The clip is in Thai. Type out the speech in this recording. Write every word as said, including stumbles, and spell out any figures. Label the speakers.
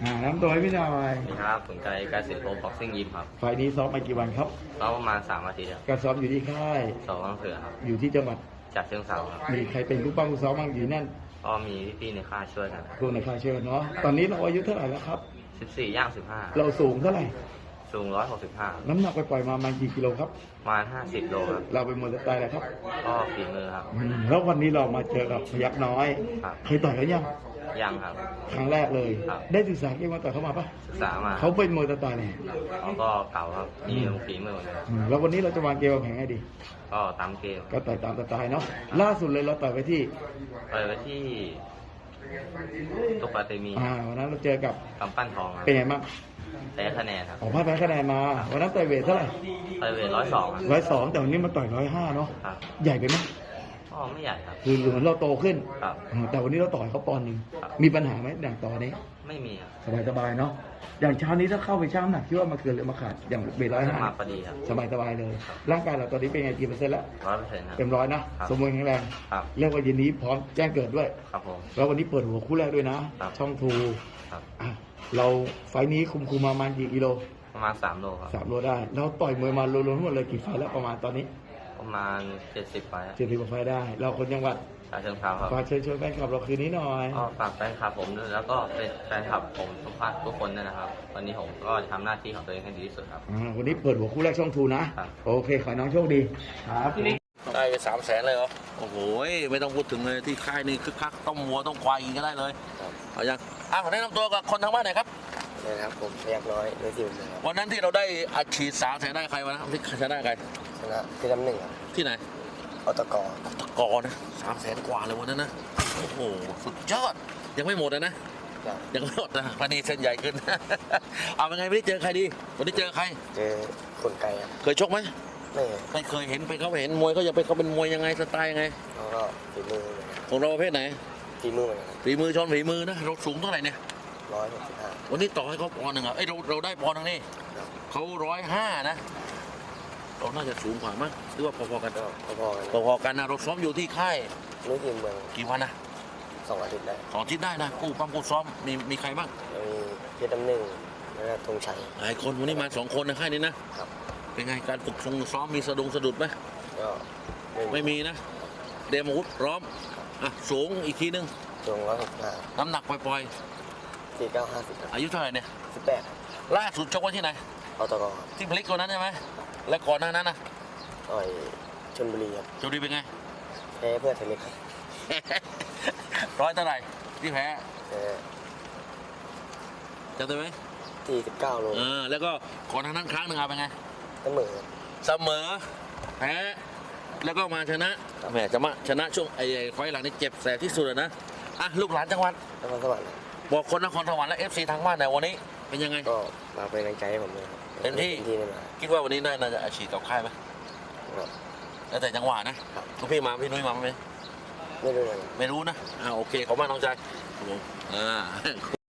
Speaker 1: อ่าน้ำตัวให้พี่หน่อย
Speaker 2: สวัสดีครับสนใจการสิทธิ์โปรบ็อกซิ่งยิมครับ
Speaker 1: ไฟล์นี้ซ้อมมากี่วันครับ
Speaker 2: ซ้อมประมาณสามอาทิตย์ครับ
Speaker 1: การซ้อมอยู่ที่ค่าย
Speaker 2: สองวันเสือครับ
Speaker 1: อยู่ที่จังหวัด
Speaker 2: จากเชิงเทราครับ
Speaker 1: มีใครเป็นผู้ป้องผู้ซ้อมบ้างอยู่นั่น
Speaker 2: ก็มีพี่ๆในค่ายช่วยกัน
Speaker 1: ครูในค่ายเชิญเนาะตอนนี้เราอายุเท่าไหร่แล้วครับ
Speaker 2: สิบสี่ย่างสิบห้า
Speaker 1: เราสูงเท่าไหร่
Speaker 2: สูงร้อยหกสิบห้า
Speaker 1: น้ำหนักไปปล่อยมาประมาณกี่กิโลครับ
Speaker 2: ประมาณห้าสิบโลครับ
Speaker 1: เราเป็นมวยสไตล์อะไรครับ
Speaker 2: ก็ฝีมือครับ
Speaker 1: แล้ววันนี้เรามาเจอกับพยัคฆ์น้อยเคยต่อยกันยัง
Speaker 2: ยังครับ
Speaker 1: ครั้งแรกเลยได้ศึกษาเกมมาต่อยเข้ามาปะ
Speaker 2: ศึกษามา
Speaker 1: เขาเป็นมวยสไตล์ไหน
Speaker 2: เขาก็เก่าครับมีฝีมือเหมือนกัน
Speaker 1: แล้ววันนี้เราจะวางเกมวางแผนให้ดี
Speaker 2: ก็ตามเกม
Speaker 1: ก็ต่อยตามสไตล์เนาะล่าสุดเลยเราต่อยไปที่
Speaker 2: ต่อยไปที่ตุกปาเตมี
Speaker 1: อ่าวันนั้นเราเจอกับ
Speaker 2: กำปั้นทอง
Speaker 1: เป็นไงบ้าง
Speaker 2: แพ้คะแนนครับ
Speaker 1: ออกมาแพ้คะแนนมาวันนั้นต่อยเวทเท่าไหร่
Speaker 2: ต่อยเวทร้อยสอง
Speaker 1: ร้อยสองแต่วันนี้มาต่อยร้อยห้าเนาะใหญ่ไปไหม
Speaker 2: ก็ไม่ใหญ่ครับ
Speaker 1: คือเหมือนเราโตขึ้น
Speaker 2: ครับ
Speaker 1: แต่วันนี้เราต่อยเขาปอนด์หนึ่งมีปัญหาไหมอย่างต่อนี้
Speaker 2: ไม่มีครับ
Speaker 1: สบายสบายเนาะอย่างเช้านี้ถ้าเข้าไปช่างหนักคิดว่ามาเกินหรือมาขาดอย่างเบร้อยห้า
Speaker 2: มาพอดีครับ
Speaker 1: สบายสบายเลยร่างกายเราตอนนี้เป็นไงกี่เปอร์เซ็นต์แล้ว
Speaker 2: ร้อยเปอร์เซ็นต์ครับ
Speaker 1: เต็มร้อยนะสมบูรณ์แข็งแรง
Speaker 2: ครับ
Speaker 1: เรียกว่าเย็นนี้พร้อมแจ้งเกิดด้วย
Speaker 2: ครับผม
Speaker 1: แล้ววันนี้เปิดหัวคู่แรกด้วยนะช่องทู
Speaker 2: ครับ
Speaker 1: เราไฟนี้คุมคุมมาประมาณกี่กิโล
Speaker 2: ประมาณสามโลครับ
Speaker 1: สามโลได้เราต่อยมวยมารวมๆทั้งหมดเลยกี่ไฟแล้วประมาณตอนนี้
Speaker 2: ประมาณเจ็ดสิบไฟ
Speaker 1: เจ็ดสิบกว่าไฟได้เราคนจังหวัด
Speaker 2: ชาเชิงเทราครับ
Speaker 1: ฝากเชิญชวนแฟนคลับเราคืนนี้หน่อย
Speaker 2: ก็ฝากแฟนคลับผมด้วยแล้วก็เป็นแฟนคลับผมทุกท่านทุกคนนะครับวันนี้ผมก็ทำหน้าที่ของตัวเองให้ดีที่สุดครับ
Speaker 1: วันนี้เปิดหัวคู่แรกช่องทูนะโอเคขอน้องโชคดีครับ
Speaker 3: ได้ไปสามแสนเลยเหรอโอ้โหไม่ต้องพูดถึงเลยที่ค่ายนี่คึกคักต้องวัวต้องควายกินก็ได้เลยเอาอย่างอ่ะแนะนำตัวกับคนทางบ้านหน่อยครับ
Speaker 4: นะครับผมพยัคฆ์น้อยโดยทีมเลยครับ
Speaker 3: วันนั้นที่เราได้อัดฉีดสามแสนได้ใครวะนะที่ชนะใคร
Speaker 4: ชนะที่ลำหนึ่งครับ
Speaker 3: ที่ไหน
Speaker 4: อตก
Speaker 3: ตะกอนะสามแสนกว่าเลยวันนั้นนะโอ้โหสุดยอดยังไม่หมดนะนะยังไม่หมดนะพันนี้เส้นใหญ่ขึ้นเอาเป็นไงวันนี้เจอใครดีวันนี้เจอใคร
Speaker 4: เจอคนไกลครับ
Speaker 3: เคยชกไหม
Speaker 4: ไม่
Speaker 3: ไม่เคยเห็นไปเขาเห็นมวยเขาจะไปเขาเป็นมวยยังไงสไตล์ยังไง
Speaker 4: เขาก็ฝีมือ
Speaker 3: ของเราประเภทไหน
Speaker 4: ฝีมือเหมือนกัน
Speaker 3: ฝีมือชนฝีมือนะเราสูงเท่าไหร่เนี่ย
Speaker 4: ร้อยหกสิบห้า
Speaker 3: วันนี้ต่อให้เขาปอนหนึ่งอ่ะเอ้ยเราเราได้ปอนหนึ่งนี่เขาร้อยห้านะเราน่าจะสูงกว่ามั้งหรือว่าพอๆกัน
Speaker 4: พอๆกัน
Speaker 3: พอๆกันนะเราซ้อมอยู่ที่ค่าย
Speaker 4: รู้ทีมเมือง
Speaker 3: กี่วันนะ
Speaker 4: สองอาทิตย์ได้
Speaker 3: สองอาทิตย์ได้นะกู้ปั้มกู้ซ้อมมีมีใครบ้าง
Speaker 4: มีเพชรดำหนึ่งแล้วก็ธงชัย
Speaker 3: หลายคนวันนี้มาสองคนในค่ายนี้นะครับเป็นไงการฝึกซ้อมมีสะดุงสะดุดไหม
Speaker 4: ก็
Speaker 3: ไม่มีนะเดมอาวุธพร้อมอ่ะสูงอีกทีนึง
Speaker 4: สูงร้อยหกสิบห้า
Speaker 3: น้ำหนักปล่อย
Speaker 4: ๆสี่เก้าห้าสิบ
Speaker 3: อายุเท่าไหร่เนี่ย
Speaker 4: สิบแปด
Speaker 3: ล่าสุดชกไว้ที่ไหน
Speaker 4: อตก
Speaker 3: ที่พลิกตัวนั้นใช่ไหมและก่อนหน้านั้นนะ
Speaker 4: ต่อยชลบุรีครับ
Speaker 3: ชลบุรีเป็นไง
Speaker 4: แพ้เพื่อเทนนิส
Speaker 3: ร้อยเท่าไหร่ที่แพ้จำได้ไหม
Speaker 4: สี่สิบเก้าโล
Speaker 3: เออแล้วก็ก่อนหน้านั้นครั้งหนึ่งเอาเป็นไง
Speaker 4: เสมอ
Speaker 3: เสมอแพ้แล้วก็มาชนะแหมจะมาชนะช่วงไอ้ไฟหลังนี่เจ็บแสบที่สุดนะอ่ะลูกหลานจังหวัด
Speaker 4: นครสวรรค์
Speaker 3: บอกคนนครสวรรค์และเอฟซีทางบ้านในวันนี้เป็นยังไง
Speaker 4: ก็มาเป็นกำลังใจให้ผมเลย
Speaker 3: เต็มที่คิดว่าวันนี้น่าจะอาชีพกับค่ายไหมแล้วแต่จังหวะนะทุกพี่มาพี่นุ้ยมาไหม
Speaker 4: ไม่รู้
Speaker 3: ไม่รู้นะอ่าโอเคขอบคุณมากน้องชายอ่า